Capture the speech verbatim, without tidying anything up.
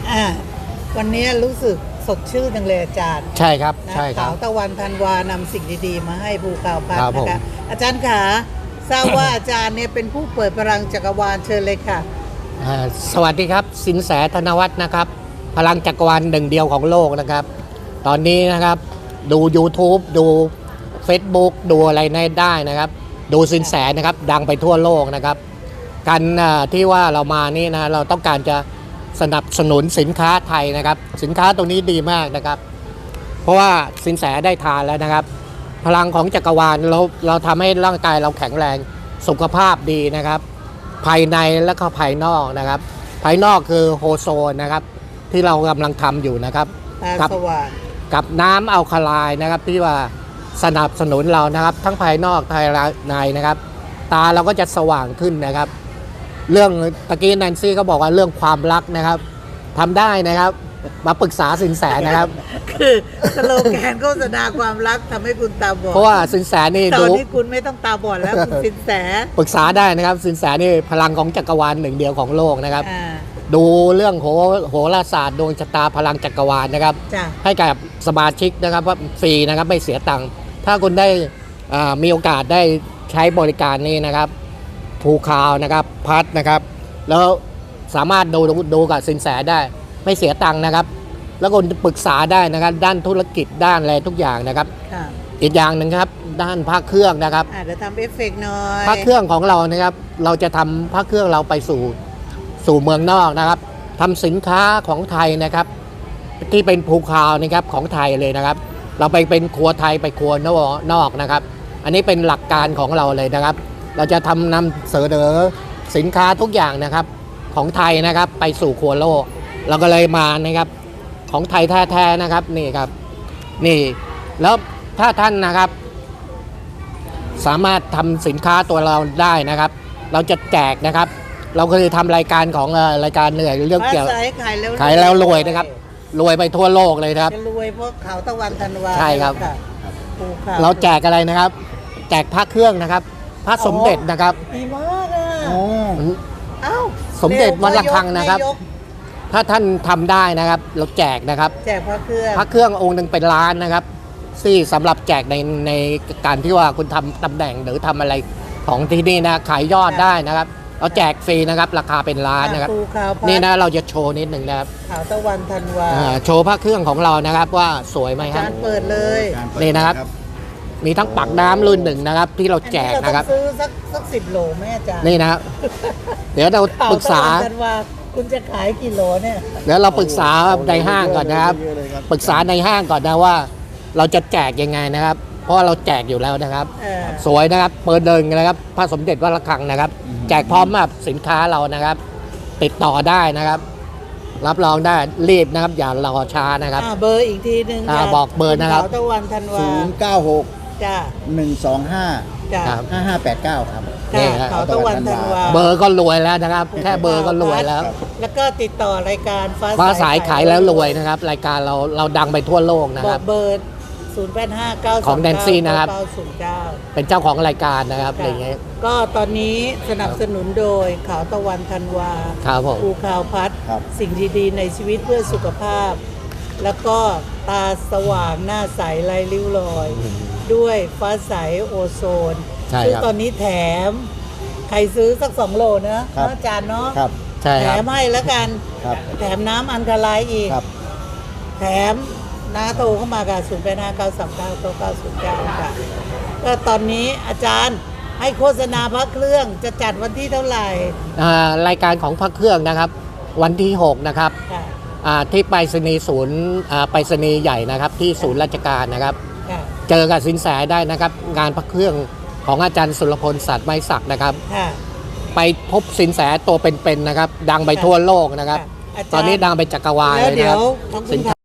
อ่าวันนี้รู้สึกสดชื่นจังเลยอาจารย์ใช่ครับนะใช่ครัขาวบตะวันธันวานำสิ่งดีๆ มาให้ภูข่าวพัฒครับน์ผมนะคะอาจารย์ขาทราบว่าอาจารย์เนี่ยเป็นผู้เปิดพลังจักรวาลเชิญเลยค่ะอ่าสวัสดีครับสินแสธนวัฒน์นะครับพลังจักรวาลหนึ่งเดียวของโลกนะครับ ตอนนี้นะครับดู YouTube ดู Facebook ดูอะไรในได้นะครับ ดูสินแสนะครับดังไปทั่วโลกนะครับการอ่าที่ว่าเรามานี่นะเราต้องการจะสนับสนุนสินค้าไทยนะครับ สินค้าตรงนี้ดีมากนะครับ เพราะว่าสินแสได้ทานแล้วนะครับ พลังของจักรวาลเราเราทำให้ร่างกายเราแข็งแรงสุขภาพดีนะครับ ภายในและก็ภายนอกนะครับ ภายนอกคือโฮโซนนะครับที่เรากำลังทำอยู่นะครับตากัสว่างกับน้ำอัลคาไลน์นะครับที่ว่าสนับสนุนเรานะครับ ทั้งภายนอกภายในนะครับ ตาเราก็จะสว่างขึ้นนะครับ เรื่องตะกี้แนนซี่ก็บอกว่าเรื่องความรักนะครับทำได้นะครับมาปรึกษาสินแสนะครับคือสโลแกนโฆษณาความรักทำให้คุณตาบอดเพราะว่าสินแสนี่ตอดูนนี้คุณไม่ต้องตาบอดแล้วคุณสินแสปรึกษาได้นะครับ สินแสนี่พลังของจักรวาลหนึ่งเดียวของโลกนะครับอ่าดูเรื่องโหโหราศาสตร์ดวงชะตาพลังจักรวาลนะครับจ้ะให้กับสมาชิกนะครับว่าฟรีนะครับไม่เสียตังค์ถ้าคุณได้อ่ามีโอกาสได้ใช้บริการนี้นะครับภูคาวนะครับพัดนะครับ แล้วสามารถดูดูกับสินแสได้ไม่เสียตังค์นะครับ แล้วคุณปรึกษาได้นะครับ ด้านธุรกิจด้านอะไรทุกอย่างนะครับค่ะอีกอย่างหนึ่งครับด้านภาคเครื่องนะครับอ่าเดี๋ยวทำเอฟเฟกต์หน่อยภาคเครื่องของเรานะครับ เราจะทำภาคเครื่องเราไปสู่สู่เมืองนอกนะครับทำสินค้าของไทยนะครับ ที่เป็นภูคาวนะครับของไทยเลยนะครับ เราไปเป็นครัวไทยไปครัวนอกนะครับ อันนี้เป็นหลักการของเราเลยนะครับ เราจะทำนำเสนอสินค้าทุกอย่างนะครับของไทยนะครับไปสู่ครัวโลกเราก็เลยมานะครับของไทยแท้ๆนะครับนี่ครับนี่แล้วถ้าท่านนะครับ สามารถทำสินค้าตัวเราได้นะครับ เราจะแจกนะครับ เราเคยทำรายการของเอ่อรายการเหนื่อยเรื่องเกี่ยวฟ้าใสขายแล้วขายแล้วรวยนะครับ รวยไปทั่วโลกเลยนะครับจะรวยเพราะขาวตะวันธันวาใช่ครับะภูขวเราแจกอะไรนะครับ แจกพระเครื่องนะครับ พระสมเด็จนะครับดีมากอ่ะโอ้เอ้าสมเด็จวัดระฆังนะครับยกถ้าท่านทำได้นะครับ เราแจกนะครับแจกพระเครื่องพระเครื่ององค์หนึ่งเป็นล้านนะครับที่สำหรับแจกในในการที่ว่าคุณทำตำแหน่งหรือทำอะไรของที่นี่นะขายยอดได้นะครับ เราแจกฟรีนะครับ ราคาเป็นล้านนะครับภูขาวพัดนี่นะเราจะโชว์นิดหนึ่งนะครับขาวตะวันธันวาอ่าโชว์พระเครื่องของเรานะครับว่าสวยไหมอาครัจาบรย์เปิดเลยการเปิดนี่นะครับ มีทั้งปักน้ำรุ่นหนึ่งนะครับ ที่เราแจกอันะครับเาต้องซื้อสักสักสิบโหลไหมอาจารย์นี่นะครับ เดี๋ยวเราขาวปรึกษาตะวันธันวาคุณจะขายกี่โหลเนี่ยเดี๋ยวเราปรึกษาในห้างก่อนนะครับเยอเลยครับปรึกษาในห้างก่อนนะว่า เราจะแจกยังไงนะครับ เพราะว่าเราแจกอยู่แล้วนะครับเออสวยนะครับเปิดเดินนะครับพระสมเด็จวัดระฆังนะครับ แจกพร้อมกับสินค้าเรานะครับ ติดต่อได้นะครับ รับรองได้รีบนะครับ อย่ารอช้านะครับอ่าเบอร์อีกทีหนึ่งอ่าจ้ะบอกเบอร์นะครับขาวตะวันธันวาศูนย์เก้าหกจ้าหนึ่งสองห้าจ้าครับห้าห้าแปดเก้าครับนี่จ้าครับขาวตะวันธันวาเบอร์ก็รวยแล้วนะครับ แค่เบอร์ก็รวยแล้วแล้วก็ติดต่อรายการฟ้าฟ้าสายขายแล้วรวยนะครับ รายการเราเราดังไปทั่วโลกนะบคอรักบเบอร์ศูนย์ แปด ห้า เก้าของ Nancy นะครับเก้าศูนย์เก้าเป็นเจ้าของรายการนะครับอะไรอย่างเงี้ยก็ตอนนี้สนับสนุนโดยขาวตะวันธันวาครับผมภูขาวพัดครับสิ่งดีๆในชีวิตเพื่อสุขภาพ แล้วก็ตาสว่างหน้าใสไร้ริ้วรอย ด้วยฟ้าใสโอโซนใช่ซึ่งครับตอนนี้แถม ใครซื้อสักสองโลนะครับ เนาะอาจารย์เนาะครับใช่แถครับมให้แล้วกันครับแถมน้ำอันคาไลน์อีกครับแถมน้าโทรเข้ามากับศูนย์แปดห้าเก้าสามเก้าเก้าเก้าศูนย์เก้าค่ะก็ตอนนี้อาจารย์ให้โฆษณาพระเครื่องจะจัดวันที่เท่าไหร่อ่ารายการของพระเครื่องนะครับ วันที่หกนะครับค่ะอ่าที่ไปรษณีย์ศูนย์อ่าไปรษณีย์ใหญ่นะครับ ที่ศูนย์ราชการนะครับค่ะเจอกับสินแสได้นะครับ งานพระเครื่องของอาจารย์สุรพลสัตว์ไม้ศักดิ์นะครับค่ะไปพบสินแสตัวเป็นๆนะครับ ดังไปทั่วโลกนะครับค่ะอาจารย์ตอนนี้ดังไปจักรวาลแล้เลวย เดี๋นะคยรัวบขอบคุสิณนค่ะ